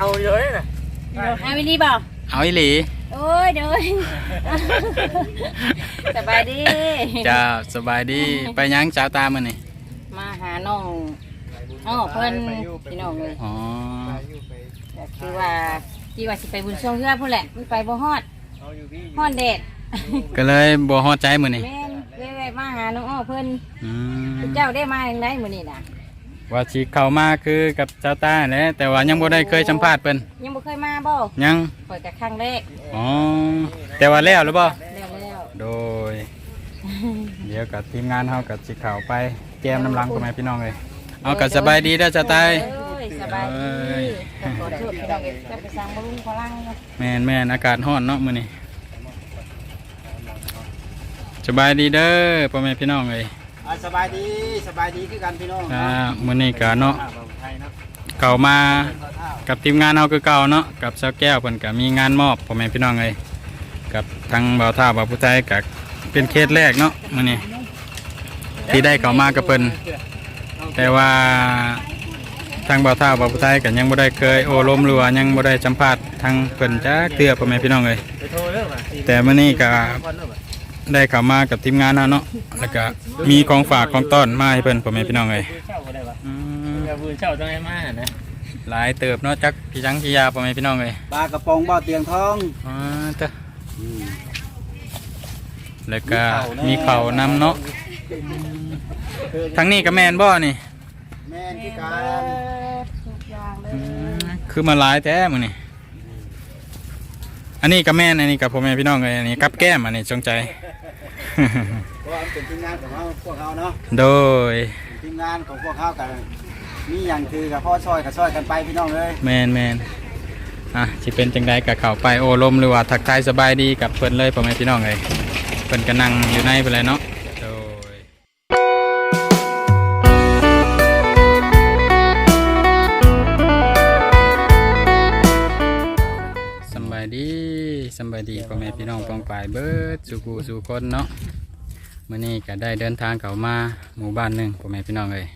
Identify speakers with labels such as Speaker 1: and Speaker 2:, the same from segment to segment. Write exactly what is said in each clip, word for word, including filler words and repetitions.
Speaker 1: เอาเยอะเลยนะ
Speaker 2: เอาวิลีบ่
Speaker 3: เอาอีหลี
Speaker 2: โอ้ยเด้อสบายดี
Speaker 3: จ้าสบายดีไปยังสาวตามื้อนี่
Speaker 2: มาหาน้องน้องเพิ่นพี่น้องเลย
Speaker 3: อ๋อ
Speaker 2: ก็คือว่าที่ว่าสิไปบุญช่วงเพื่อพุ่นแหละมันไปบ่ฮอดฮอดแดด
Speaker 3: ก็เลยบ่ฮอดใจมื้อนี่
Speaker 2: แม่นเลยแวะมาหาน้องอ้อเพิ่น
Speaker 3: อืม
Speaker 2: เจ้าได้มาจังไดมื้อนี้น่ะ
Speaker 3: ว่าสิเข้ามาคือกับสาวตาแหละแต่ว่ายังบ่ได้เคยสัมภาษณ์เพิ่น
Speaker 2: ยังบ่เคยมาบ่
Speaker 3: ยัง
Speaker 2: ข่อยก็ครั้งแรก
Speaker 3: อ๋อแต่ว่าแล้วหรือบ่
Speaker 2: แล้วแล้ว
Speaker 3: โดย เดี๋ยวกับทีมงานเฮากับสิเข้าไปแจมน้ำลังพ่อแม่พี่น้องเลยเอาก็สบายดีเด้อสาวตา
Speaker 2: เอ้ยสบายดีขอโทษพี่น้องเอ้ยจะไปสั่งบ่ลุงพลังเนาะ
Speaker 3: แม่นแม่นอากาศร้อนเนาะมื้อนี้สบายดีเด้อพ่อแม่พี่น้องเลย
Speaker 1: สบายดีสบายดีคือกันพี่น้อง
Speaker 3: อ่ามื้อนี้ก็เนาะเข้ามากับทีมงานเฮาคือเก่าเนาะกับสาวแก้วเพิ่นก็มีงานมอบพ่อแม่พี่น้องเลยกับทางบ่าวท่าบ่าวผู้ไทยก็เป็นเคสแรกเนาะมื้อนี้ที่ได้เข้ามากับเพิ่นแต่ว่าทางบ่าวท่าบ่าวผู้ไทยก็ยังบ่ได้เคยโอ้ลมหรือว่ายังบ่ได้สัมภาษณ์ทางเพิ่นจักเทื่อพ่อแม่พี่น้องเลยแต่มื้อนี้ก็ได้เข้ามากับทีมงานเฮาเนาะแล้วก็มีของฝากของต้อนมาให้เพิ่นพ่อแม่พี่น้องเลยอืม
Speaker 1: กระบือเช่าต้องให้มานะ
Speaker 3: หลายเติบเนาะจักพี่จังพี่ยาพ่อแม่พี่น้องเลย
Speaker 1: ปลากระป๋องบ่อเตียงทอง
Speaker 3: อ๋อเด้อแล้วก็มีเข่าวนำเนาะทางนี้ก็แม่นบ่นี่
Speaker 1: แม่นที่การ
Speaker 2: ทุกอย่างเลย
Speaker 3: อืมคือมาหลายแท้มื้อนี่อันนี้ก็แม่นอันนี้กับพ่อแม่พี่น้องเลยอันนี้กับแก้มอันนี้จงใจ
Speaker 1: เพราะว่ามันเป็นทีมงานของเราพวกเขาเนาะ
Speaker 3: โดย
Speaker 1: ทีมงานของพวกเขากันมีอย่างคือกับพ่อซอยกับซอยกันไปพี่น้องเลย
Speaker 3: แมนแมนอ่ะสิเป็นจังใดกับเข้าไปโอ้ลมหรือว่าทักทายสบายดีกับเพิ่นเลยพ่อแม่พี่น้องเลยเพิ่นก็นั่งอยู่ในไปเลยเนาะโดยสำบายดีสำบายดีพ่อแม่พี่น้องปองปายเบิดสู่กูสู่คนเนาะมื้อนี้ก็ได้เดินทางเข้ามาหมู่บ้านหนึงพ่อแม่พี่น้องเลย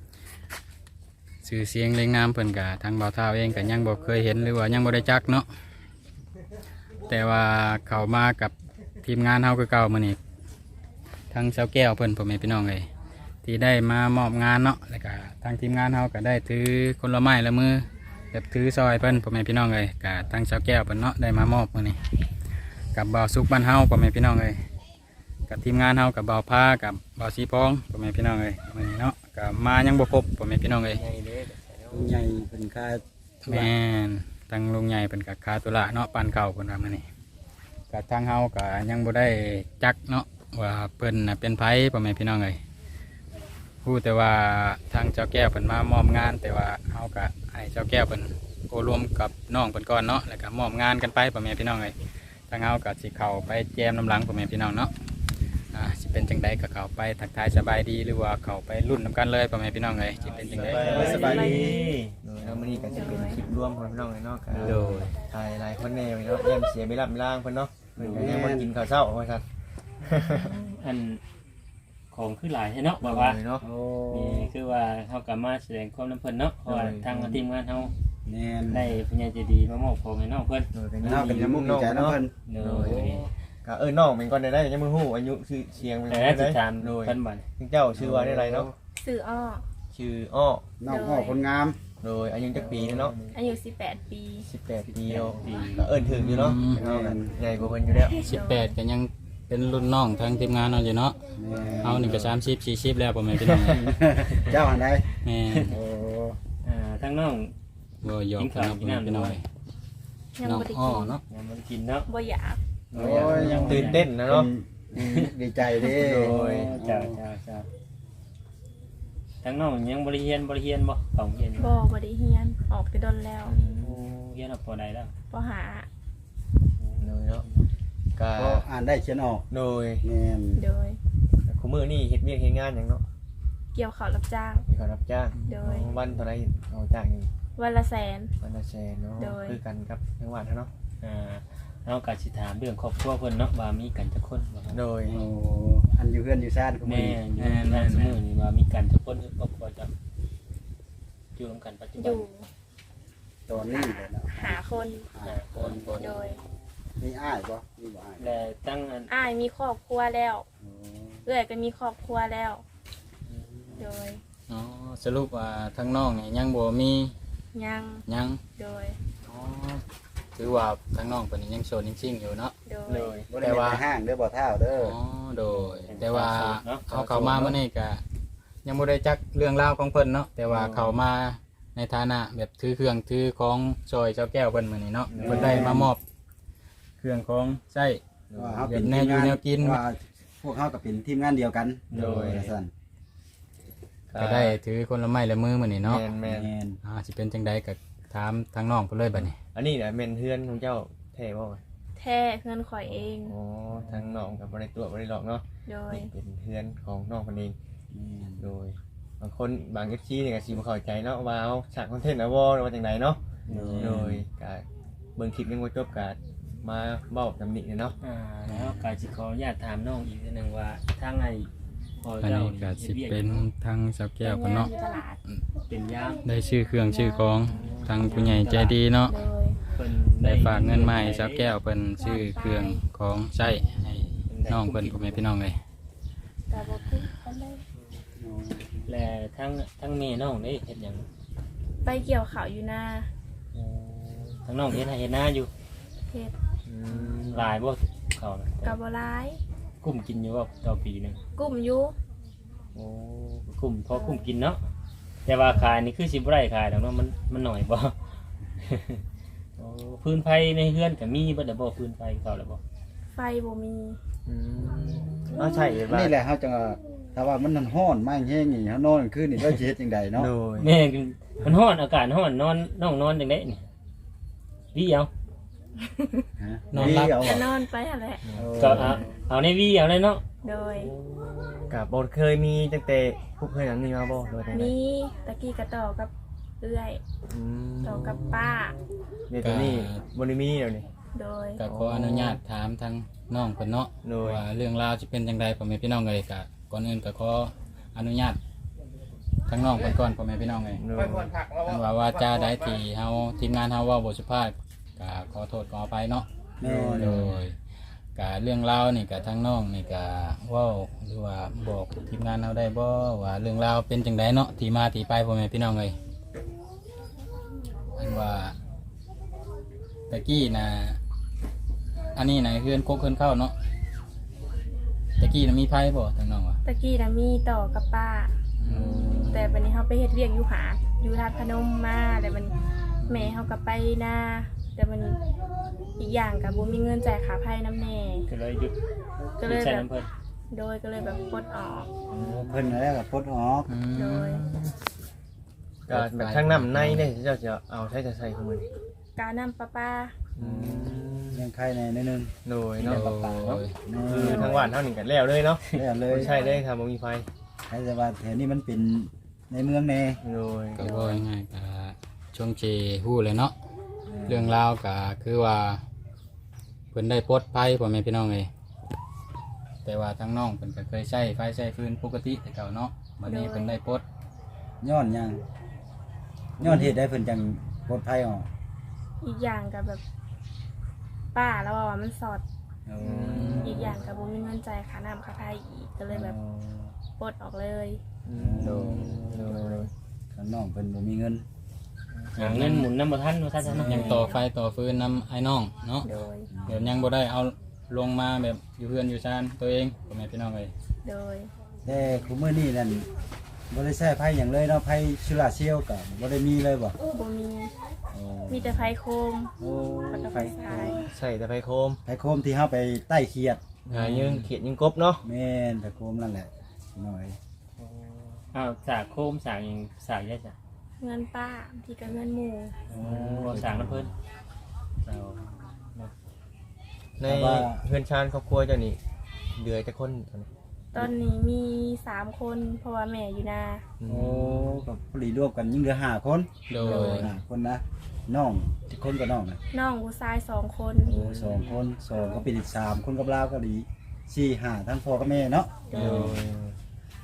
Speaker 3: ชื่อเสียงเรียงนามเพิ่นกะทางบ่าวเท้าเองก็ยังบ่เคยเห็นหรือว่ายังบ่ได้จักเนาะแต่ว่าเข้ามากับทีมงานเฮาคือเก่ามื้อนี้ทางเสาแก้วเพิ่นพ่อแม่พี่น้องเลยที่ได้มามอบงานเนาะแล้วก็ทางทีมงานเฮาก็ได้ถือคนละไม้ละมือแบบถือซอยเพิ่นพ่อแม่พี่น้องเลยก็ทางเสาแก้วเพิ่นเนาะได้มามอบมื้อนี้กับบ่าวสุกบ้านเฮาพ่อแม่พี่น้องเลยกับทีมงานเฮากับบ่าวพากับบ่าวสีพองพ่อแม่พี่น้องเลยมื้อนี้เนาะก็มายังบ่ครบพ่อแม่พี่น้องเลย
Speaker 1: ใหญ่เป็นค่า
Speaker 3: แม่นทางลุงใหญ่เป็นกับคาตุละเนาะปันเก่าคนว่ามานี่กับทางเฮาก็ยังบ่ได้จักเนาะว่าเพิ่นน่ะเป็นไผพ่อแม่พี่น้องเอ้ยพูดแต่ว่าทางเจ้าแก้วเพิ่นมามอบงาน แต่ว่าเฮาก็ให้เจ้าแก้วเพิ่นโอรวมกับน้องเพิ่นก่อนเนาะแล้วก็มอบงานกันไปพ่อแม่พี่น้องเอ้ยทางเฮาก็สิเข้าไปแจมน้ำหลังพ่อแม่พี่น้องเนาะอ่าสิเป็นจังใดก็เข้าไปทักทายสบายดีหรือว่าเข้าไปรุ่นนํกันเลยพ่อแม่พี่น้องเอ้ยสิเป็นจังใด
Speaker 1: สบายดี
Speaker 4: โดยเราไม่นี่ก็จะเป็นคลิปร่วมของพี่น้องเลยเนาะครับ
Speaker 3: โดย
Speaker 4: ถ่ายหลายคนแน่เนาะเยี่ยมเสียไม่รับไม่ล่างเพิ่นเนาะเพิ่นก็ยังมากินข้าวเช้าว่าซั่น
Speaker 5: อันของคือหลายใช่เนาะบอกว่า
Speaker 4: โดยเนาะ
Speaker 1: โอ้
Speaker 5: นี่คือว่าเขากลับมาแสดงความน้ำเพิ่นเนาะเพราะว่าทางทีมงานเขา
Speaker 1: แน่น
Speaker 5: ได้พญาเจดีย์มามอบของให้น้องเพิ่น
Speaker 4: โดยกัน
Speaker 1: น้องเป็นยังมุ่งดีใจน้องเพิ่น
Speaker 5: โด
Speaker 4: โด
Speaker 5: ย
Speaker 4: ยก็เออน้องเป็นก่อนได้ได้ยังมือฮู้อายุชื่อเชียงเป็น
Speaker 5: แต่
Speaker 4: ไง
Speaker 5: ได้ติ
Speaker 4: ได้
Speaker 5: ดตาม
Speaker 4: โดย
Speaker 5: เพิ่นบัด
Speaker 4: เจ้าชื่อว่าได้ไรเนาะ
Speaker 6: สื่ออ้อ
Speaker 4: ชื่ออ้อ
Speaker 1: น้องพ่อคนงาม
Speaker 4: โดยอายุจักปีเนาะ
Speaker 6: อายุสิบแปดปี
Speaker 4: สิบแปดปีเนาะก็เอิ้นถึงอยู่เนาะเฮากันใหญ่กว่าเพิ่นอยู่แล้ว
Speaker 3: สิบแปดก็ยังเป็นรุ่นน้องทางทีมงานเราอยู่เนาะ
Speaker 1: แม่
Speaker 3: เอาหนึ่งกับสามสิบสี่สิบแล้วผมไม่พี่น้อง
Speaker 1: เจ้าอันใด
Speaker 3: แม่
Speaker 1: โอ้
Speaker 5: อ่าทางน้อง
Speaker 3: บ่หยอกกันเนาะพี่น้องพี่น้อง
Speaker 6: ยัง
Speaker 3: น้อง
Speaker 6: บ่ได้
Speaker 3: อ้อ
Speaker 6: กิน
Speaker 3: เนาะ
Speaker 5: ยังบ่ได้กินเนาะ
Speaker 6: บ่อยาก
Speaker 1: โอ้ยยัง
Speaker 4: ตื่นเต้นนะเนาะ
Speaker 1: ดีใจเด้
Speaker 4: โดย
Speaker 5: เจ้าเจ้าเจ้าทางน้องยังบ่ได้เรียนบ่ได้เรียนบ่ของเรียนอยู่
Speaker 6: บ่บ่ได้เฮียนออกแต่ดนแล้ว
Speaker 5: โอ้เรียนเอาพอได้แล้ว
Speaker 6: บ่หา
Speaker 4: โดยเนาะก็
Speaker 1: ก็อ่านได้เขียนออก
Speaker 4: โดย
Speaker 1: แม่น
Speaker 6: โดย
Speaker 4: คุมื้อนี่เฮ็ดเวียกเฮ็ดงานหยังเนาะ
Speaker 6: เกี่ยวข้าวรับจ้าง
Speaker 4: มีเขารับจ้าง
Speaker 6: โดย
Speaker 4: วันเท่าไรเขาจ้างอยู่
Speaker 6: วันละแสน
Speaker 4: วันละแสนเนาะ
Speaker 6: โดย
Speaker 4: คือกันครับทั้งวันเนาะ
Speaker 5: อ่าเฮาก็สิถามเรื่องครอบครัวเพิ่นเนาะว่ามีกันจักคนบ่ครับ
Speaker 4: โดย
Speaker 1: โอ้อันอยู่เพื่อนอยู่ซ่านก็มี
Speaker 5: แม่อยู่ทางสมุนนี่ว่ามีกันจักคนคือครอบครัวจะอยู่ร่วมกันปัจจุ
Speaker 6: อ
Speaker 5: บัน
Speaker 6: ยู่
Speaker 1: ตอนนี้เลยเนาะ
Speaker 6: หาคน
Speaker 1: อ่าคน
Speaker 6: โดย
Speaker 1: มีอ้ายบ่มีบ่อ้าย
Speaker 5: และตั้งอัน
Speaker 6: อ้ายมีครอบครัวแล้ว
Speaker 1: โอ้
Speaker 6: เอื้อยก็มีครอบครัวแล้ว โดย
Speaker 3: อ๋อสรุปว่าทั้งน้องนี่ยังบ่มี
Speaker 6: ยัง
Speaker 3: ยัง
Speaker 6: โดย
Speaker 3: อ๋อถือว่าทั้งน้องเพิ่นนี่ยังโสดจริงๆอยู่เนาะ
Speaker 6: โด
Speaker 5: เลย ย
Speaker 1: บ่ได้เป็นห้างเด้อบ่เท่าเด้อ
Speaker 3: อ๋อโดย แต่ว่าเขาเข้ามาเมื่อนี้ก็ยังบ่ได้จักเรื่องราวของเพิ่นเนาะแต่ว่าเขามาในฐานะแบบถือเครื่องถือของซอยเจ้าแก้วเพิ่นมื้อนี้เนาะเพิ่นได้มามอบ เครื่องของใช้
Speaker 1: ว่าเฮาเป็น
Speaker 3: แนวอยู่แนวกิน
Speaker 1: ว่าพวกเฮาก็เป็นทีมงานเดียวกัน
Speaker 4: โดย
Speaker 1: ว่าซั่น
Speaker 3: ก็ได้ถือคนละไม้ละมือมื้อนี้เนาะ
Speaker 4: แม่นแม่น
Speaker 1: แม่น
Speaker 3: อ่าสิเป็นจังใดก็ถามทางน้องเพิ่นเลยบัดนี้
Speaker 4: อันนี้แหละแม่นเฮือนของเจ้าแท้บ่
Speaker 6: แท้เพื่อนข่อยเอง
Speaker 4: อ๋อทางน้องก็บ่ได้ตัวบ่ได้หลอกเนาะ
Speaker 6: โดย
Speaker 4: นี่เป็นเฮือนของน้องเพิ่นเอง
Speaker 1: แม่น
Speaker 4: โดยบางคนบาง เอฟ ซี นี่ก็สิบ่เข้าใจเนาะว่าเอาฉากคอนเทนต์เอาบ่หรือว่าจังไดเนาะโดยก็เบิ่งคลิปยังบ่จบก็มาเว้าตำหนิเนาะ
Speaker 5: อ่าแล้วก็สิขออนุญาตถามน้องอีกนิดนึงว่าทางไอ้พอ
Speaker 3: อัน
Speaker 5: เจ้า
Speaker 3: นี้ก็สิเป็นทางสาวแก้วเพิ่นเนาะ
Speaker 6: อยู่ตลาด
Speaker 5: เป็นย่าง
Speaker 3: ได้ชื่อเครื่องชื่อของทางผู้ใหญ่ใจดีเนาะ
Speaker 6: โดย
Speaker 5: เพิ่น
Speaker 3: ได้ฝากเงินมาให้สาวแก้วเพิ่นชื่อเครื่องของใช้ให้น้องเพิ่นพ่อแม่พี่น้องเลย
Speaker 6: กาบพูดกันเลย
Speaker 5: และทั้งทั้งแม่น้องได้เฮ็ดหยัง
Speaker 6: ไปเกี่ยวข่าวอยู่หน้า
Speaker 5: ทั้งน้องเฮ็ดให้เฮ็ดหน้าอยู่
Speaker 6: เฮ็ด
Speaker 4: อืม
Speaker 5: หลายบ่เขาน่ะ
Speaker 6: กาบร้าย
Speaker 5: กุ้มกินอยู่ว่าต่อปีหนึง
Speaker 6: กลุ่มอยู่
Speaker 5: โอ้กุ้มพอกุ้มกินเนาะแต่ว่าขายนี่คือสิบ่ได้ขายดอกเนาะมันมันหน่อยบ่ โอ้พื้นไฟในเฮือนก็มีบ่ได้บ่พื้นไฟเขาแล้วบ่
Speaker 6: ไฟบ่มี
Speaker 4: อืมเอาใช่ว่า
Speaker 1: นี่แหละเฮาจะถ้าว่ามันร้อนมากแห้งนี่เฮานอนกลางคืนนี่เราสิเฮ็ดจังไดเนาะ
Speaker 4: โดย
Speaker 5: แม่ก็มันร้อนอากาศร้อนนอนน้องนอนจังได๋นี่วีเอา
Speaker 1: ฮะ
Speaker 3: นอนหลับ
Speaker 1: เอา
Speaker 6: ก็
Speaker 1: อะ
Speaker 6: นอนไปหั่นแหละ
Speaker 5: ก็เอาเอาในวีเอาเลยเนาะ
Speaker 6: โดย
Speaker 4: กับบเคยมีตั้งแต่พวกเคยหนังนี่มาบ่โดยจังได
Speaker 6: มีตะกี้กระต่อกับเอื้อย
Speaker 4: อืม
Speaker 6: ต่อกับป้า
Speaker 4: เดี๋ยวตัวนี้บ่ได้มีแล้วนี่
Speaker 6: โดย
Speaker 3: ก็ขออนุญาตถามทางน้องเพิ่นเนาะ
Speaker 4: โดย
Speaker 3: ว่าเรื่องราวสิเป็นจังใดพ่อแม่พี่น้องเลยก็ก่อนอื่นก็ขออนุญาตทางน้องเพิ่นก่อนพ่อแม่พี่น้องเลย
Speaker 4: โดย
Speaker 3: ท่านว่าว่าจาใดที่เฮาทีมงานเฮาเว้าบ่สุภาพก็ขอโทษขออภัยเนาะ
Speaker 1: แม่น
Speaker 3: โดยกะเรื่องราวนี่กะทางน้องนี่กะเว้าหรือว่าบอกทีมงานเราได้บ่ว่าเรื่องราวเป็นจังไดเนาะที่มาที่ไปพ่อแม่พี่น้องเลยอันว่าตะกี้นะอันนี้นะเฮือนโคกเฮือนเข้าเนาะตะกี้นะมีไผบ่ทางน้องวะ
Speaker 6: ตะกี้นะมีต่อกับป้า แต่วันนี้เขาไปเฮ็ดเวียกอยู่หาดอยู่ทาดพนมมาแต่มันแม่เขาก็ไปหน้าแต่มันอีกอย่างกับบุมีเงินจ่ายค่าไพ่น้ำแน่
Speaker 5: ก็เลยหยุด
Speaker 6: ก็เลย
Speaker 5: ใช้
Speaker 6: แบบ
Speaker 5: น้ำเพิ่น
Speaker 6: โดยก็เลยแบบปลดออก
Speaker 1: เพิ่นแล้วก็ปลดออก
Speaker 3: อืม
Speaker 6: โดย
Speaker 4: ก็แบบทางน้ำในเนี่ยเจ้าจะเอาใช้จะใส่ของมือนี่
Speaker 6: การนำป้าป้า
Speaker 4: อืม
Speaker 1: เลี้ยงไข่ในนิดนึง
Speaker 4: โดยเนาะ
Speaker 3: โดย
Speaker 4: คือทางบ้านเท่านี้กันแล้วเลยเนาะ
Speaker 1: แล้วเลย
Speaker 4: ไม่ใช่เลยครับบ่มีไฟ
Speaker 1: ใครจะว่าแถวนี้มันเป็นในเมืองแน่
Speaker 4: โดย
Speaker 3: ก็ว่าง่ายๆก็ช่วงเจฮู้เลยเนาะเรื่องราวก็คือว่าเพิ่นได้ปลดภัยพ่อแม่พี่น้องเลยแต่ว่าทางน้องเพิ่นก็เคยใช้ไฟใช้ฟืนปกติแต่เก่าเนาะบัดนี้เพิ่นได้ปลด
Speaker 1: ย้อนหยังย้อนเหตุได้เพิ่นจังปลดภัยออก
Speaker 6: อีกอย่างกับแบบป้าแล้วว่ามันสอด
Speaker 1: เอา
Speaker 6: อีกอย่างกับบุมีเงินจ่ายค่าน้ำค่าไฟอีกก็เลยแบบปลดออกเลย
Speaker 4: อืมโดยโดยโดย
Speaker 1: ข้างน้องเพิ่นบ่มีเงิน
Speaker 5: หาเงินหมุนน้ำบ่ทันว่าซั่นซะเนาะ
Speaker 3: ยังต่อไฟต่อฟืนนำไอ้น้องเนาะ
Speaker 6: โดย
Speaker 3: เดี๋ยวยังบ่ได้เอาลงมาแบบอยู่เพื่อนอยู่ชานตัวเองพ่อแม่พี่น้องเลย
Speaker 6: โดย
Speaker 1: แต่คุมื้อนี้นั่นบ่ได้ใช้ไผหยังเลยเนาะไผสุราเซียวก็บ่ได้มีเลยบ่
Speaker 6: บุมี
Speaker 1: โอ้
Speaker 6: มีแต่ไฟโคม
Speaker 1: โอ้
Speaker 6: แล้วก็
Speaker 1: ไผ
Speaker 6: ไฟฉาย
Speaker 4: ใส่แต่ไฟโคม
Speaker 1: ไผโคมที่เฮาไปใต้เขียด
Speaker 4: หายิงเขียดยิงกบเนาะ
Speaker 1: แม่นไผโคมนั่นแหละหน่อย
Speaker 5: อ้าวสากโคมสากหยังสากได้จ้ะ
Speaker 6: เงินป้าที่กับเงินหมู่
Speaker 5: โอ้บ่สากน้ำเพิ่นเอา
Speaker 4: ในเพื่อนชานครอบครัวเจ้านี่เดือจะคนตอนนี้
Speaker 6: ตอนนี้มีสามคนเพราะว่าแม่อยู่นา
Speaker 1: โอ้ก็พอดีรวมกันยิ่งเหลือห้าคน
Speaker 3: โดย
Speaker 1: ห้าคนนะน้องที่คนกับน้องนะ
Speaker 6: น้องผู้ชายสองคน
Speaker 1: โอ้สองคนสองก็เป็นอีกสามคนกับลาวก็ดีสี่ห้าทั้งพ่อกับแม่เนาะ
Speaker 6: โด
Speaker 4: โด
Speaker 6: ย
Speaker 4: ย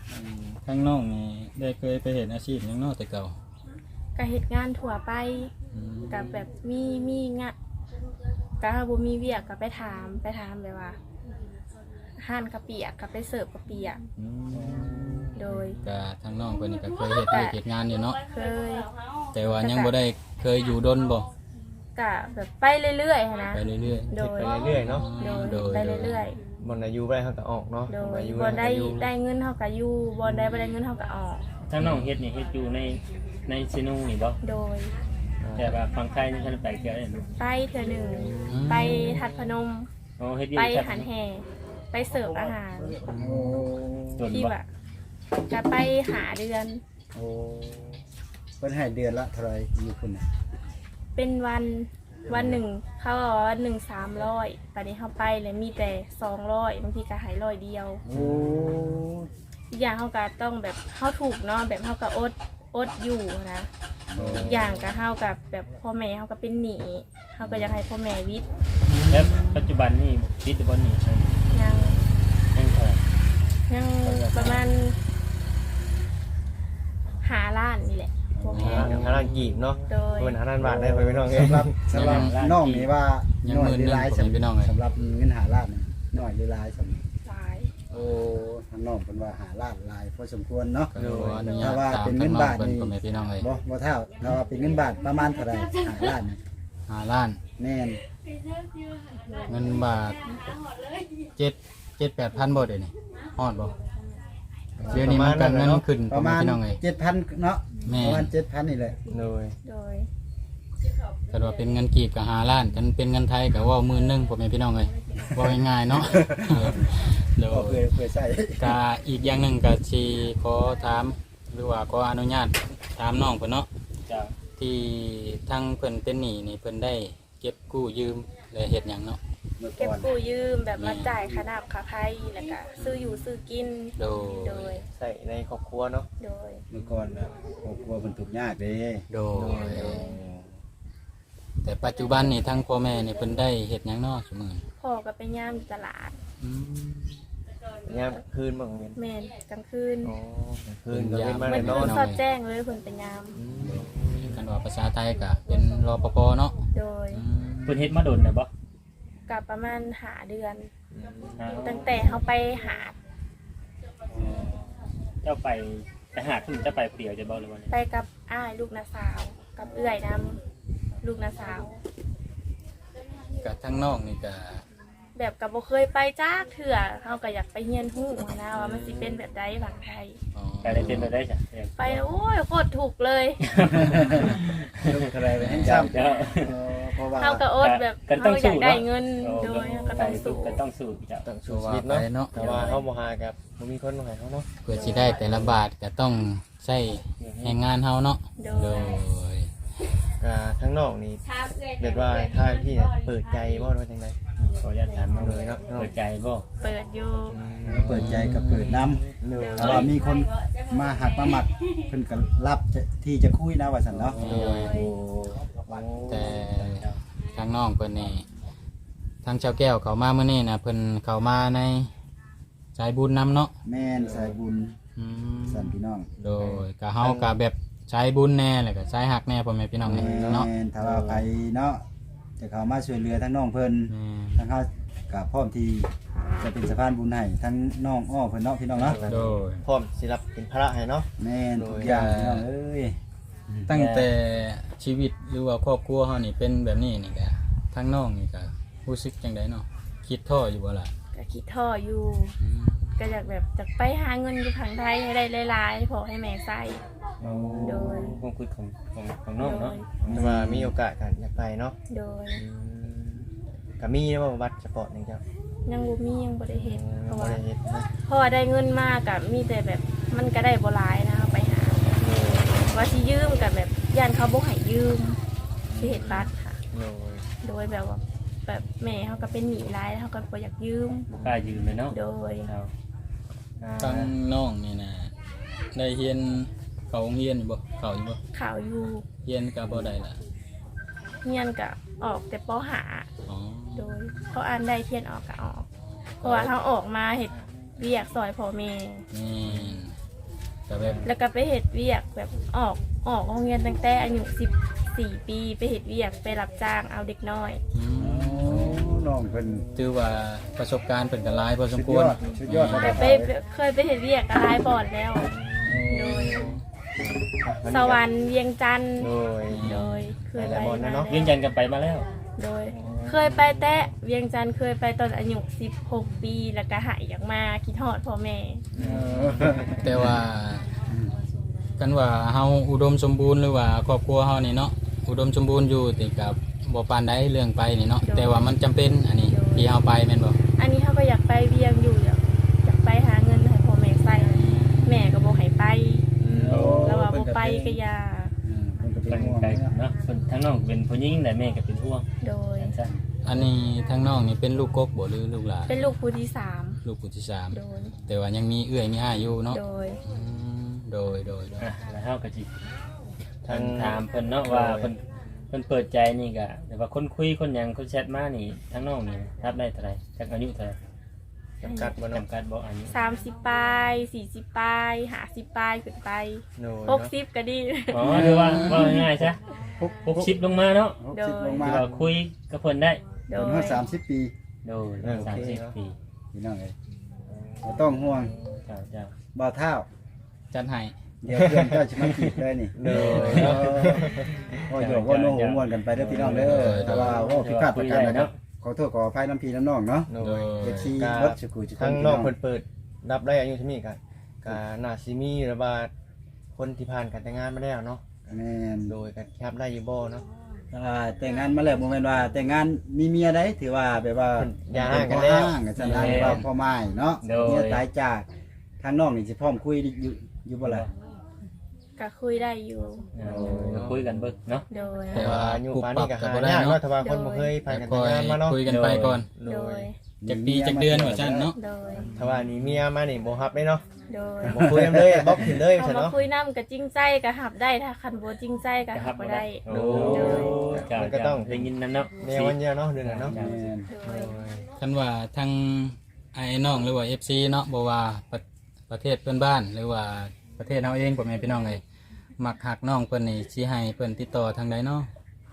Speaker 3: ทางน้องนี่ได้เคยไปเห็นอาชีพหยังเนาะแต่เก่า
Speaker 6: ก็เหตุงานถั่วไปกับแบบมีมีงะก็ถ้าบ่มีเวียกก็ไปถามไปถามแบบว่าห้านกะเปียกก็ไปเสิร์ฟกะเปียก
Speaker 3: อืม
Speaker 6: โดย
Speaker 3: ก็ทางน้องเพิ่นนี่ก็เคยเฮ็ดเวียกเฮ็ดงานอยู่เนาะ
Speaker 6: เคย
Speaker 3: แต่ว่ายังบ่ได้เคยอยู่ดนบ่
Speaker 6: กะแบบไปเรื่อยๆหั้นนะ
Speaker 3: ไปเรื่อย
Speaker 6: โดย
Speaker 4: ไปเรื่อยๆเนาะ
Speaker 3: ๆ
Speaker 6: โดยไปเรื่อย
Speaker 4: บนอายุได้เขาก็ออกเนาะ
Speaker 6: ๆโด
Speaker 4: บ่
Speaker 6: ย
Speaker 4: อายุ
Speaker 6: บอลได้
Speaker 4: อยู่
Speaker 6: ได้เงินเท่ากับอยู่บอลได้บ่ได้เงินเท่ากับออก
Speaker 5: ถ้าน้องเฮ็ดนี่เฮ็ดอยู่ในในซิโนนี่บ่
Speaker 6: โดย
Speaker 5: แต่ว่าฝั่งไทยนี่ท่านไปเที่ยวได้เนาะ
Speaker 6: ไปเทื่อหนึ่งไปทัดพนม
Speaker 5: อ๋อเฮ็ดอยู่
Speaker 6: ไป
Speaker 5: ที่
Speaker 6: หันแห่ไปเสิร์ฟอาหาร
Speaker 5: โดน
Speaker 6: ที่
Speaker 5: บ่
Speaker 6: ว่าจะไปหาเดือน
Speaker 1: โอ้เพิ่นให้เดือนละเท่าไหร่อยู่คุณน่ะ
Speaker 6: เป็นวันวันหนึ่งเขาบอกว่าวันหนึ่งสามร้อยตอนนี้เขาไปเลยมีแต่สองร้อยบางทีก็หายร้อยเดียว
Speaker 1: โอ้
Speaker 6: อีกอย่างเขาก็ต้องแบบเขาถูกเนาะแบบเขาก็อดอดอยู่นะอีกอย่างก็เขากับแบบพ่อแม่เขาก็เป็นหนี้เขาก็อยากให้พ่อแม่วิทย์
Speaker 5: แล้วปัจจุบันนี่ติดบ่นี่ใช่
Speaker 6: ยัง
Speaker 5: ยังเท่าไหร่
Speaker 6: ยังประมาณหาล้านนี่แหละพ่อแม่
Speaker 4: อย่างห้าล้านกีบเนาะ
Speaker 6: โดย
Speaker 4: เป็นห้าล้านบาทได้ไปไม่ต้องเอ้ย
Speaker 1: สำหรับสำหรับน้องนี่ว่า
Speaker 3: ยัง
Speaker 1: น้อย
Speaker 3: หมื่น
Speaker 1: หรือ
Speaker 3: หนึง
Speaker 1: หลาย
Speaker 3: ผมพี่น้องเอ้ย
Speaker 1: สำหรับเงินหาล้านนี่น้อยหรือหลายสำหรับ
Speaker 6: หลาย
Speaker 1: โอ้ทางน้องเพิ่นว่าหาล้านหลายพอสมควรเนาะ
Speaker 3: ก็ขออนุญา
Speaker 1: ถ้า
Speaker 3: ต
Speaker 1: ว่า
Speaker 3: ตาม
Speaker 1: เป็น
Speaker 3: ทา
Speaker 1: เงิ
Speaker 3: ง
Speaker 1: น
Speaker 3: น้อง
Speaker 1: บาท
Speaker 3: เพิ่น
Speaker 1: นี่
Speaker 3: พ่อแม่พี่น้องเอ้ย
Speaker 1: บ่บ่เท่าถ้าว่าเป็นเงินบาทประมาณเท่าไหร่หาล้านนี่
Speaker 3: ห้าล้าน
Speaker 1: แม่น
Speaker 3: เงินบาทเจ็ดเจ็ดแปดพันบ่เดี๋ยวนี้ฮอดบ่เดี๋ยวนี้มันก็เงินขึ้น
Speaker 1: ป
Speaker 3: พ่อ
Speaker 1: ระ
Speaker 3: แม่
Speaker 1: มาณ
Speaker 3: พี่น้องเอ้ย
Speaker 1: เจ็ดพันเนาะ
Speaker 3: แม่
Speaker 1: ประมาณเจ็ดพันนี่แหละ
Speaker 4: โดย
Speaker 6: โดย
Speaker 3: ก็ว่าเป็นเงินกีบก็ห้าล้านกันเป็นเงินไทยก็ว่าหมื่นหนึงพ่อแม่พี่น้องเอ้ยว่าง่ายๆเนาะ โด
Speaker 1: ก็เพื่อย เพื่อใช้
Speaker 3: ก็อีกอย่างหนึ่งก็สิขอถามหรือว่าขออนุญาตถามน้องเพิ่นเนาะ
Speaker 5: จ้า
Speaker 3: ที่ทางเพิ่นเป็นหนี้นี่เพิ่นได้เก็บกู้ยืมและเฮ็ดหยังเนาะ
Speaker 1: เมื่อ
Speaker 6: เก็บ
Speaker 1: ก่อน
Speaker 6: กู้ยืมแบบมาจ่ายค่าน้ำค่าไฟแล้วก็ซื้ออยู่ซื้อกิน
Speaker 3: โด
Speaker 6: โด
Speaker 3: ย
Speaker 6: ย
Speaker 4: ใส่ในครอบครัวเนาะ
Speaker 6: โดย
Speaker 1: เมื่อก่อนน่ะครอบครัวเพิ่นทุกข์ยากเด้
Speaker 3: โดยแต่ปัจจุบันนี่ทั้งพ่อแม่นี่เพิ่นได้เฮ็ดหยังเนาะซุมื้อนี้
Speaker 6: พ่อก็ไปย่ามอยู่ตลาด
Speaker 3: อืม
Speaker 4: ยามคืนบ้างเว้น
Speaker 6: แม่นกลางคืน
Speaker 4: อ๋อคืนก็เป็นมา
Speaker 6: มั
Speaker 4: ได้
Speaker 6: น
Speaker 4: นอน
Speaker 6: สอดแจ้งเลยเพิ่นเป็นยาม
Speaker 3: กันว่าภาษาไทยก็เป็นรปภเนาะ
Speaker 6: โดย
Speaker 3: อืม
Speaker 5: เพิ่นเฮ็ดมาโดนน่ะบ่
Speaker 6: กับประมาณหาเดือน
Speaker 5: อ้าว
Speaker 6: ตั้งแต่เขาไปหา
Speaker 5: เจ้าไปไปหาคุณเจ้าไปผู้เดียวจะบ่หรือว่าไง
Speaker 6: ไปกับอ้ายลูกนาสาว กับเอื้อยนำลูกนาสาว
Speaker 3: ก็ทั้งน้องนี่ก็
Speaker 6: แบบกับบ่เคยไปจ้าเถื่อเขาก็อยากไปเฮียนฮู้นะว่ามันสิเป็นแบบใดฝั่งไทย
Speaker 3: อ๋อ
Speaker 5: ไปได้เป็นไปได้จ้ะ
Speaker 6: ไปโอ้ยโคตรถูกเลย
Speaker 1: ลูกอะไรไปให้
Speaker 5: เจ้า
Speaker 1: ซ้ำ
Speaker 5: เจ้า
Speaker 1: เออเพราะว่า
Speaker 6: เขาก็อดแบบ
Speaker 5: กันต้
Speaker 6: เขา
Speaker 5: อง
Speaker 6: อ
Speaker 5: สู้
Speaker 6: ยากได้
Speaker 5: เนาะ
Speaker 6: เงินโดยเขาก็ต้องสู้
Speaker 5: ก็ต้องสู้เจ้า
Speaker 4: ต้องสู้ชีวิตเนาะแต่ว่าเขาบ่หากับบ่มีคนมาให้เขาเนาะ
Speaker 3: เพื่อสิได้แต่ละบาทก็ต้องใช้แรงงานเฮาเนาะ
Speaker 6: โด
Speaker 3: โด
Speaker 6: ย
Speaker 3: ย
Speaker 4: ก็ทั้งนอกนี่เรียกว่าทางที่เนี่ยเปิดใจบ่ว่าจังได๋
Speaker 5: ขออนุญาตถามน้องเลยเนาะเปิดใจบ่
Speaker 6: เปิดอยู่
Speaker 1: เปิดใจกับเปิดน้
Speaker 4: โดย
Speaker 1: ำถ้าว่ามีคนมาหักมาหมักเพิ่นก็รับจะที่จะคุยนะว่าซั่นเนาะ
Speaker 6: โดย
Speaker 3: แต่ทางน้องเพิ่นนี่ทางชาวแก้วเขามาเมื่อนี้นะเพิ่นเขามาในสายบุญนำเนาะ
Speaker 1: แม่นสายบุญ
Speaker 3: อืม
Speaker 1: สั่นพี่น้อง
Speaker 3: โดยก็เฮาก็แบบสายบุญแน่แหละก็สายหักแน่พ่อแม่พี่น้อง
Speaker 1: แม่
Speaker 3: นี่เนาะ
Speaker 1: นถ้าว่าใครเนาะจะเข้ามาช่วยเหลือทั้งน้องเพิ่น
Speaker 3: แม่
Speaker 1: ทั้งเฮาก็พร้อมที่จะเป็นสะพานบุญให้ทั้งน้องอ้อเพิ่นเนาะพี่น้องเนาะ
Speaker 3: โดย
Speaker 4: พร้อมสิรับเป็นภาระให้เนาะ
Speaker 1: แม่นทุกอย่างพี่น้องเอ้ย
Speaker 3: ตั้งแต่ชีวิตหรือว่าครอบครัวเฮานี่เป็นแบบนี้นี่ก็ทางน้องนี่ก็รู้สึกจังไดเนาะคิดท้ออยู่บ่ล่ะ
Speaker 6: ก็คิดท่ออยู่
Speaker 3: อืม
Speaker 6: ก็อยากแบบจะไปหาเงินอยู่ทางไทยให้ได้หลายๆให้พอให้แม่ใส่ โดย
Speaker 5: ความคิดของของของน้องเนาะ
Speaker 4: แต่ว่ามีโอกาสกันอยากไปเนาะ
Speaker 6: โดย
Speaker 4: ก็มีนะว่าบัตรสปอร์ตนึงจ้ะ
Speaker 6: ยังบ่มียังบ่ได้เฮ็ดเพราะ
Speaker 4: บ่
Speaker 6: ว่า
Speaker 4: ได้เฮ็ดนะ
Speaker 6: เพราะว่าได้เงินมากกับมีแต่แบบมันก็ได้บ่หลายนะเอาไปหาว่าสิยืมกับแบบย่านเขาบ่ให้ยืมสิเฮ็ดบัตรค่ะ
Speaker 4: โดย
Speaker 6: โดยแบบว่าแบบแม่เขาก็เป็นหนี้หลายเขาก็บ่อยากยืม
Speaker 5: บ่กล้ายืมเลยเนาะ
Speaker 6: โดย
Speaker 5: เอาอ่า
Speaker 3: ทางน้องนี่นะได้เรียนเขาโรงเรียนอยู่บ่เขาอยู่บ่
Speaker 6: ข่าวอยู่
Speaker 3: เรียนก็บ่ได้ล่ะ
Speaker 6: เฮียนก็ออกแต่ปหา
Speaker 3: อ๋อ
Speaker 6: โดยเขาอ่านได้เทียนออกก็ออก เพราะว่าเขาออกมาเฮ็ดเวียกซอยพ่อแม่
Speaker 3: นี่ก็แบบ
Speaker 6: แล้วก็ไปเฮ็ดเวียกแบบออกออกโรงเรียนตั้งแต่อายุสิบสี่ปีไปเฮ็ดเวียกไปรับจ้างเอาเด็กน้อย
Speaker 3: อื
Speaker 1: โอ้
Speaker 3: ม
Speaker 1: น้องเพิ่น
Speaker 3: ถือว่าประสบการณ์เพิ่นก็หลายพอส
Speaker 1: สุ
Speaker 3: ม
Speaker 1: ด
Speaker 3: คว
Speaker 1: ย
Speaker 3: ร
Speaker 1: อดสุดยอด
Speaker 6: แต่ไปเคยไปเฮ็ดเวียกกับหลายบอดแล้ว โดย สวรรค์เวียงจันทร์
Speaker 4: โดย
Speaker 6: โดยเคยไป
Speaker 4: หลายๆบอลนะเนาะ
Speaker 5: เวียงจันทน์กันไปมาแล้ว
Speaker 6: โดย เคยไปแตะเวียงจันทร์เคยไปตอนอายุสิบหกปีแล้วก็หายอยากมาคิดฮอดพ่อแม่
Speaker 3: แต่ว่ากันว่าเฮาอุดมสมบูรณ์หรือว่าครอบครัวเฮานี่เนาะอุดมสมบูรณ์อยู่แต่กับบ่ปานใดเรื่องไปนี่เนาะแต่ว่ามันจำเป็นอันนี้ที่เฮาไปแม่นบ่
Speaker 6: อันนี้เขาก็อยากไปเวียงอยู่อยากอยากไปหาเงินให้พ่อแม่ใส่แม่ก็บอกให้ไป
Speaker 1: โอ้
Speaker 6: แล้วว่าบ่ไปก็อย่า
Speaker 1: อืมเพิ่นก็เป็
Speaker 5: กัน น
Speaker 1: ห่วง
Speaker 5: ไกล
Speaker 1: เนาะ
Speaker 5: เนาะเพิ่นทั้งน้องเป็นผู้หญิงแต่แม่ก็เป็นห่วง
Speaker 6: โดย
Speaker 5: จังซั่น
Speaker 3: อันนี้ทั้งน้องนี่เป็นลูกกกบ่หรือลูกหลาน
Speaker 6: เป็นลูกผู้ที่สาม
Speaker 3: ลูกผู้ที่สาม
Speaker 6: โดย
Speaker 3: แต่ว่ายังมีเอื้อยมีอ้ายอยู่เนาะ
Speaker 6: โดย
Speaker 3: อืมโดยโดยโดย
Speaker 5: อ่ะแล้วเฮาก็สิ
Speaker 4: ทาง
Speaker 5: ถามเพิ่นเนาะว่าเพิ่นเพิ่นเปิดใจนี่ก็แต่ว่าคนคุยคนหยังคนแชทมานี่ทั้งน้องนี่รับได้เท่าไหร่จักอายุเท่าไหร่
Speaker 4: จำกัดบ่เนาะ
Speaker 5: จำกัดบ่อายุ
Speaker 6: สามสิบปลายสี่สิบปลายห้าสิบปลายขึ้นไป
Speaker 4: โดย
Speaker 6: หกสิบก็ดี
Speaker 5: อ๋อคือว่าว่าง่ายๆซะหกสิบลงมาเนาะ
Speaker 1: หกสิบลงมา
Speaker 5: คือว่าคุยกับเพิ่นได้
Speaker 6: โด
Speaker 1: เพิ่น
Speaker 6: ย
Speaker 1: ฮอดสามสิบปี
Speaker 5: โดยสามสิบปี
Speaker 1: พี่น้องเอ้ยบ่ต้องห่วง
Speaker 5: เจ้าเจ้า
Speaker 1: บ่าวเท้า
Speaker 3: จัดให้
Speaker 1: เดี๋ยวเพื่อนเจ้าสิมาจีบเลยนี่
Speaker 4: โดย
Speaker 1: เออก็โยกว่าโน้หัวม่วนกันไปเด้อพี่น้องเด้อแต่ว่าว่าผิดพลาดประการใดครับขอโทษขออภัยน้ำพี่น้ำน้องเนาะ
Speaker 4: โด
Speaker 3: โด
Speaker 4: ย
Speaker 3: ย
Speaker 1: เอฟซี
Speaker 4: กา
Speaker 1: เบิดสุขุสุข
Speaker 4: ทั้ง
Speaker 1: พี่
Speaker 4: นอกเปิดเปิดรับได้อายุเท่านี้กันกาน่าซิมีระบาดคนที่ผ่านการแต่งงานมาแล้วเนาะ
Speaker 1: แม่น
Speaker 4: โดยกันแคบได้อยู่บ่เนาะ
Speaker 1: อ่าแต่งงานมาแล้วบ่แม่นว่าแต่งงานมีเมียได้ถือว่าแบบว่า
Speaker 4: อย่าห่างกันแล้ว
Speaker 1: ห่างกันซั่นนะว่าพ่อไม้เนาะเมียตายจากทางน้องนี่สิพร้อมคุยอยู่อยู่บ่ล่ะ
Speaker 6: ก็คุยได้อยู่
Speaker 5: เออก็คุยกันเบิ่งเนาะ
Speaker 6: โดย
Speaker 3: แต่ว่า
Speaker 4: อายุ
Speaker 3: ปรับ
Speaker 4: ปานนี้ก็
Speaker 3: กับ
Speaker 4: หา
Speaker 3: บ่ได้
Speaker 4: ยาก
Speaker 3: เนาะ
Speaker 4: เนาะถ้าว่าคนบ่เคยผ่านการ
Speaker 3: ค
Speaker 4: แต่ง
Speaker 3: อย
Speaker 4: งานมาเนาะ
Speaker 3: คุยกันไปก่อน
Speaker 4: โด
Speaker 6: โด
Speaker 4: ย
Speaker 6: ย
Speaker 3: จากปีจากเดือนว่าซั่นเนาะ
Speaker 6: โดย
Speaker 4: ถ้าว่านี่เมียมานี่บ่ฮับได้เนาะ
Speaker 6: โดย
Speaker 4: บ่คุยกันเลยบล็อกขึ้นเลย
Speaker 6: เอา
Speaker 4: ซั่น
Speaker 6: มา
Speaker 4: เนาะ
Speaker 6: คุยน้ำกับจริงใจก็หับได้ถ้าคันโบจริงใจก็หับบ่ได้
Speaker 5: โอ้
Speaker 4: โดยมันก็ต้อง
Speaker 5: ได้ยินนั่นเนาะ
Speaker 4: แนววันเดียวเนาะเดือนนั้นเนาะ
Speaker 1: แม่น
Speaker 6: โดย
Speaker 3: คันว่าทางไอ้น้องหรือว่า เอฟ ซี เนาะบ่ว่าประประเทศเพื่อนบ้าน หรือว่าประเทศเฮาเองพ่อแม่พี่น้องเอ้ยมักหักน้องเพิ่นนี่สิให้เพิ่นติดต่อทางใดเนาะ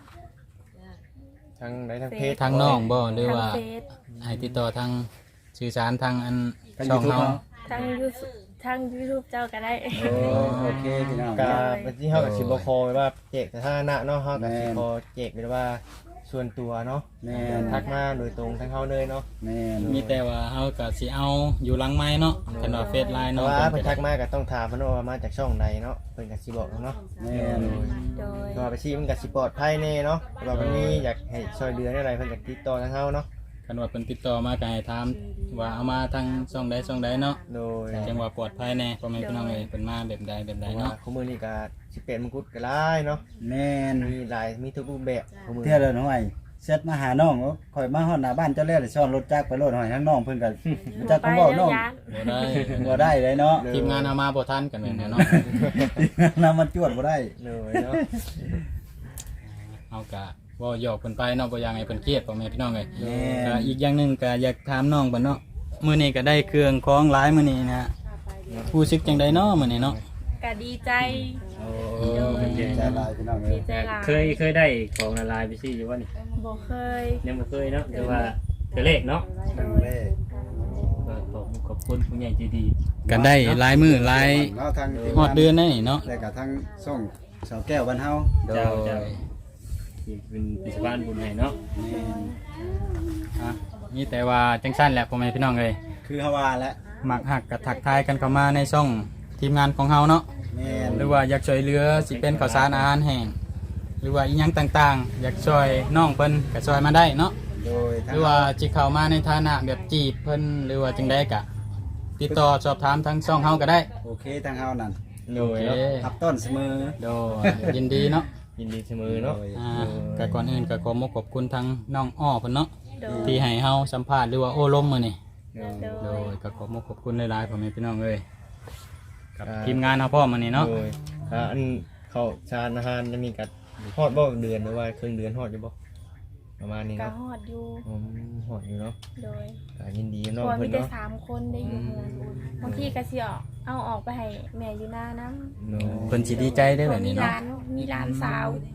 Speaker 4: ทางไหนทางเพจ
Speaker 3: ทางน้องบ่หรือ
Speaker 6: ทาง
Speaker 3: ว่า
Speaker 6: เฟซ
Speaker 3: ให้ติดต่อทางสื่อสารทางอัน
Speaker 1: ทาง
Speaker 3: ช่อง
Speaker 1: YouTube
Speaker 3: เฮา
Speaker 1: เนาะ
Speaker 6: ทางยูทางยูทูบเจ้าก็ได้
Speaker 1: โอ้โอเคพี่น้อง
Speaker 4: กาเป็นที่เฮากับสิบ่คอไว้ว่าแจกสถานะเนาะเฮากับสิ
Speaker 1: แม่น
Speaker 4: คอแจกเป็นว่าส่วนตัวเนาะ
Speaker 1: แม่น
Speaker 4: ทักมาโดยตรงทางเฮาเลยเนาะ
Speaker 1: แม่น
Speaker 3: มีแต่ว่าเฮาก็สิเอาอยู่หลังไม้เนาะคันว่าเฟซไลน์
Speaker 4: แต่
Speaker 3: เนาะ
Speaker 4: ว่า
Speaker 3: เพิ่
Speaker 4: เพิ่
Speaker 3: น
Speaker 4: น
Speaker 3: ก็
Speaker 4: ทักมาก็ต้องถามเพิ่นว่ามาจากช่องใดเนาะเพิ่นก็สิบอกเนาะ
Speaker 1: แม่น
Speaker 6: โดย
Speaker 4: ก็ว่าไปชี้มันก็สิปลอดภัยแน่เนาะแต่ว่ามันมีอยากให้ช่วยเหลืออะไรเพิ่นก็ติดต่อทางเฮาเนาะ
Speaker 3: คันว่าเพิ่นติดต่อมาก็ให้ถามว่าเอามาทางช่องใดช่องใดเนาะ
Speaker 4: โดย
Speaker 3: จังว่าปลอดภัยแน่พ่อแม่พี่น้องเอ้ยเพิ่นมาแบบใดแบบ
Speaker 4: เพ
Speaker 3: ใด
Speaker 4: ราะว่า
Speaker 3: เนาะ
Speaker 4: คู่มือนี่ก็สิเป็นมงกุฎก็หลายเนาะ
Speaker 1: แม่น
Speaker 4: มีหลายมีทุกรูปแบบคู่มือ
Speaker 1: เที่ยวเลยน้อยเซตมาหาน้องว่าข่อยมาฮอดหน้าบ้านเจ้าแล้วเลยซ้อนรถจักรไปโลดหอยทั้งน้องเพิ่นก็จัก
Speaker 6: ไป
Speaker 1: คำเว้าน้อง
Speaker 6: ยาน
Speaker 3: บ่ได้
Speaker 1: บ่ได้เลยเนาะ
Speaker 3: ทีมงานเอามาบ่ทันกันแม่นแน่เนาะ
Speaker 1: นำมันจวดบ่ได้
Speaker 4: เลยเนาะ
Speaker 3: เอากะว่าหยอกเพิ่นไปเนาะบ่อยากให้เพิ่นเครียดพ่อแม่พี่น้องเอ้ย
Speaker 1: แม่
Speaker 3: ก็
Speaker 1: น
Speaker 3: อีกอย่างหนึงก็อยากถามน้องเพิ่นเนาะมื้อนี้ก็ได้เครื่องของหลายมื้อนี้นะผู้สึกจังไดเนาะมื้อนี้เนาะ
Speaker 6: ก็ดีใจ
Speaker 1: ใจหลายพี่น้องเอ้
Speaker 6: ดี
Speaker 1: ย
Speaker 6: ใจหลาย
Speaker 5: เคยเคยได้ของละลายไปซี่อยู่ว่านี่
Speaker 6: บ่เคย
Speaker 5: ยังบ่เคยเนาะแต่ว่าเธอเลขเนาะ
Speaker 1: ครั้งแรก
Speaker 5: ก็ขอบขอบคุณผู้ใหญ่ใจดี
Speaker 3: ก็ได้หลายมื้อหลาย
Speaker 1: เนาะทาง
Speaker 3: ฮอดเดือนได้นี่เนาะ
Speaker 1: แล้วก็ทางส่งสาวแก้วบ้านเฮา
Speaker 3: โดย
Speaker 5: เจ้าเจ้าที่เป็นปิสบานบุญให้เนาะ
Speaker 1: แม่น
Speaker 3: อ่ะมีแต่ว่าจังซั่นแหละพ่อแม่พี่น้องเอ้ย
Speaker 1: คือเฮาว่าแล้ว
Speaker 3: มักหักก็ทักทายกันเข้ามาในช่องทีมงานของเฮาเนาะ
Speaker 1: แม่น
Speaker 3: หรือว่าอยากช่วยเหลือสิเป็นข้าวสารอาหารแห้งหรือว่าอีหยังต่างๆ อยากช่วยน้องเพิ่นก็ช่วยมาได้เนาะ
Speaker 1: โดย
Speaker 3: หรือว่าจิเข้ามาในฐานะแบบจีบเพิ่นหรือว่าจังไดกะ ติดต่อสอบถามทางช่องเฮาก็ได้
Speaker 1: โอเคทางเฮานั่น
Speaker 4: โดย
Speaker 3: โอ
Speaker 4: เนาะ
Speaker 3: เค
Speaker 1: ทับต้นเสมอ
Speaker 3: โดยยินดีเนาะ
Speaker 4: ยินดีเสมอเนาะ
Speaker 1: โดย
Speaker 3: อ่าก็ก่อนอื่นก็ขอมขอบคุณทางน้องอ้อเพิ่นเนาะ
Speaker 6: โดย
Speaker 3: ที่ให้เฮาสัมภาษณ์หรือว่าโอ้ล้มมื้อนี้
Speaker 6: โด
Speaker 3: โด
Speaker 6: ย
Speaker 3: ยก็ขอมขอบคุณหลายๆพ่อแม่พี่น้องเอ้ยกับทีมงานเฮาพร้อมมื้อนี้เนาะ
Speaker 4: โดยอ่าอันเข้าชานอาหารจะมีกัดฮอดบ่เดือนหรือว่าครึ่งเดือนฮอดอยู่บ่ประมาณนี้
Speaker 6: ก็
Speaker 4: เนาะ
Speaker 6: ฮอดอยู่
Speaker 4: อืมฮอดอยู่เนาะ
Speaker 6: โดย
Speaker 4: ก็ยินดี
Speaker 6: เพ
Speaker 4: น้อง
Speaker 6: ราะว่ามี
Speaker 4: เพิ่น
Speaker 6: แต่
Speaker 4: เนาะ
Speaker 6: สามคนได้อยู่เมืองบางทีก็สิออกเอาออกไปให้แม่อยู่หน้าน้ำ
Speaker 4: เนาะ
Speaker 3: เพิ่นสิดีใจได้อแบบ
Speaker 6: มี
Speaker 3: นี้
Speaker 6: ร้า
Speaker 3: เนาะ
Speaker 6: นมีร้านสาว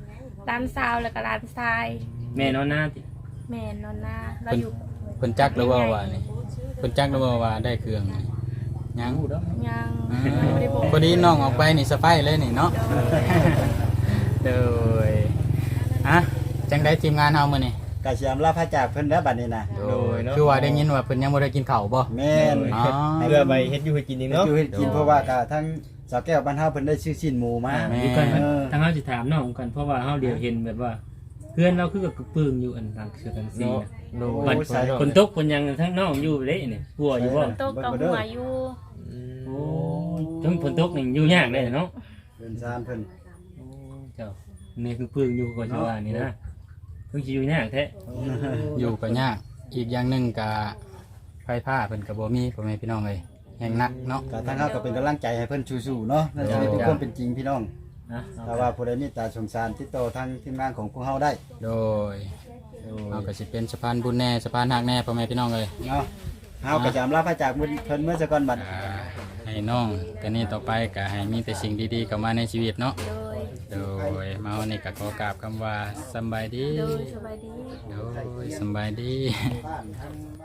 Speaker 6: ร้านซาวแล้วก็ร้านทราย
Speaker 5: แม่นอนหน้าติ
Speaker 6: แม่นอนหน้าเราอยู่
Speaker 3: เพิ่นจักหรือว่าว่านี่เพิ่นจักหรือว่าว่าได้เครื่องนี่ยัง
Speaker 6: ยัง
Speaker 3: อื
Speaker 6: ยังไม่ได้บอก
Speaker 3: มพอดีน้องออกไปนี่สะไพายเลยนี่เนาะโดยอ่ะจังได้ทีมงานเฮามื้อนี่
Speaker 1: กะสิอำลาพระจากเพิ่นแล้วบัดนี้นะ
Speaker 3: โดยคือว่าได้ยินว่าเพิ่นยังบ่ได้กินข้าวบ่
Speaker 1: แม่น
Speaker 3: อ๋อ
Speaker 4: เพื่อไปเฮ็ดอยู่ให้กินเอง
Speaker 1: เนาะ
Speaker 4: เนาะ
Speaker 1: อยู่ให้กินเพราะว่ากะทั้งสาวแก้วบ้านเฮาเพิ่นได้ซื้อชิ้นหมูมา
Speaker 3: แม่
Speaker 5: อยู่กัน
Speaker 1: เออ
Speaker 5: ทางเฮาสิถามน้องกันเพราะว่าเฮาเดียวเห็นแบบว่า เพื่อนเราคือกับกระปึ้งอยู่อันหลังเสือกันซี
Speaker 4: เนาะ
Speaker 5: นะ
Speaker 4: โด
Speaker 5: บั
Speaker 4: ย
Speaker 5: ดคนตกคนยังทั้งน้องอยู่เด้นี่กลัวอยู่บ่
Speaker 6: โต๊ะกับหัวอยู่
Speaker 5: โอ้ทั้งฝนตกนี่อยู่ยากเลยเนาะ
Speaker 1: เพิ่นซานเพิ่น
Speaker 5: โอ้เจ้านี่คือปึ้งอยู่ก็สิว่านี่นะเพิ่งสิอยู่ยากแท้
Speaker 3: อยู่ก็ยากอีกอย่างหนึงก็ไฟฟ้าเพิ่นก็บ่มีพ่อแม่พี่น้องเอ้ยแห่งหนักเนาะ
Speaker 1: กะทั้งเฮาก็เป็นกำลังใจให้เพิ่นสู้ๆเนาะนั่นจะได้เป็นความเป็นจริงพี่น้อง
Speaker 5: นะ
Speaker 1: ถ้าว่าผู้ใดมีตาสงสารติดต่อทางทีมงานของพวกเฮาได้
Speaker 3: โดยเราก็สิเป็นสะพานบุญแน่สะพานหักแน่พ่อแม่พี่น้องเอ้ย
Speaker 1: เนาะเฮาก็จะอำลาพระจากเพิ่นเมื่อสักก่อนบัด
Speaker 3: อ่าให้น้องกันนี้ต่อไปก็ให้มีแต่สิ่งดีๆเข้ามาในชีวิตเนาะ
Speaker 6: โดย
Speaker 3: โดยมาวันนี้ก็ขอกราบคำว่าสำบายดี
Speaker 6: โดยสบายดี
Speaker 3: โดยสำบายดี